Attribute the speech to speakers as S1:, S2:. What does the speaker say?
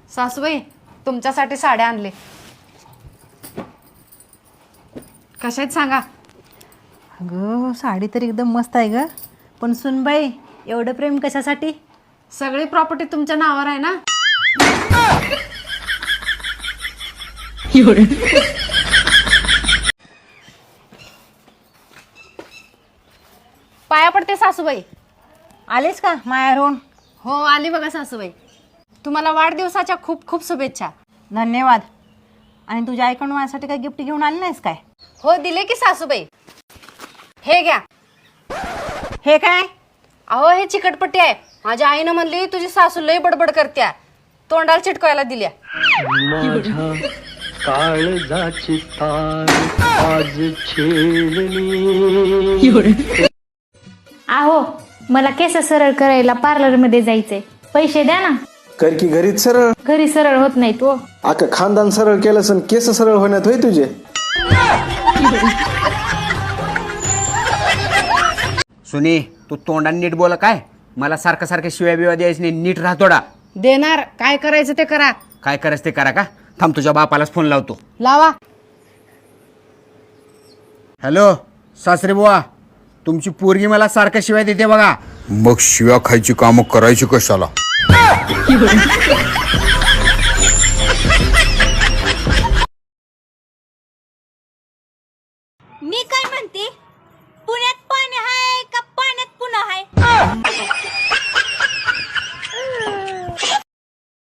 S1: सासूबाई तुमच्यासाठी साड्या आणले. कशा आहेत सांगा.
S2: अगं साडी तर एकदम मस्त आहे ग, पण सुनबाई एवढं प्रेम कशासाठी?
S1: सगळी प्रॉपर्टी तुमच्या नावावर आहे ना. पाया पडते सासूबाई.
S2: आलीस का मायारून?
S1: हो आली बघा सासूबाई. तुम्हाला वाढदिवसाच्या खूप खूप शुभेच्छा.
S2: धन्यवाद. आणि तुझ्या आईकडून माझ्यासाठी काही गिफ्ट घेऊन आली नाहीस काय?
S1: हो दिले की सासूबाई. हे घ्या.
S2: हे काय?
S1: अहो हे चिकटपट्टी आहे. माझ्या आईनं म्हणली तुझी सासू लई बडबड करत्या, तोंडाला चिटकवायला दिल्या.
S3: माझ्या काळजाची तार आज छेडली.
S4: आहो मला केस सरळ करायला पार्लर मध्ये जायचंय, पैसे द्या ना.
S5: कर की घरीच सरळ.
S4: घरी सरळ होत नाही तो.
S5: अख्खं खानदान सरळ केलं सण केस सरळ होण्यात होय तुझे.
S6: सुनी तू तोंडाने नीट बोला काय. मला सारखं सारखं शिव्या बिव्या द्यायचं नाही, नीट राहतोडा.
S1: देणार. काय करायचं ते करा.
S6: काय करायचं ते करा का. थांब तुझ्या बापालाच फोन लावतो.
S1: लावा.
S6: हॅलो सासरे बुवा, तुमची पोरगी मला सारखं शिव्या देते बघा.
S7: मग शिव्या खायची कामं करायची कशाला?
S8: मी काय म्हणते,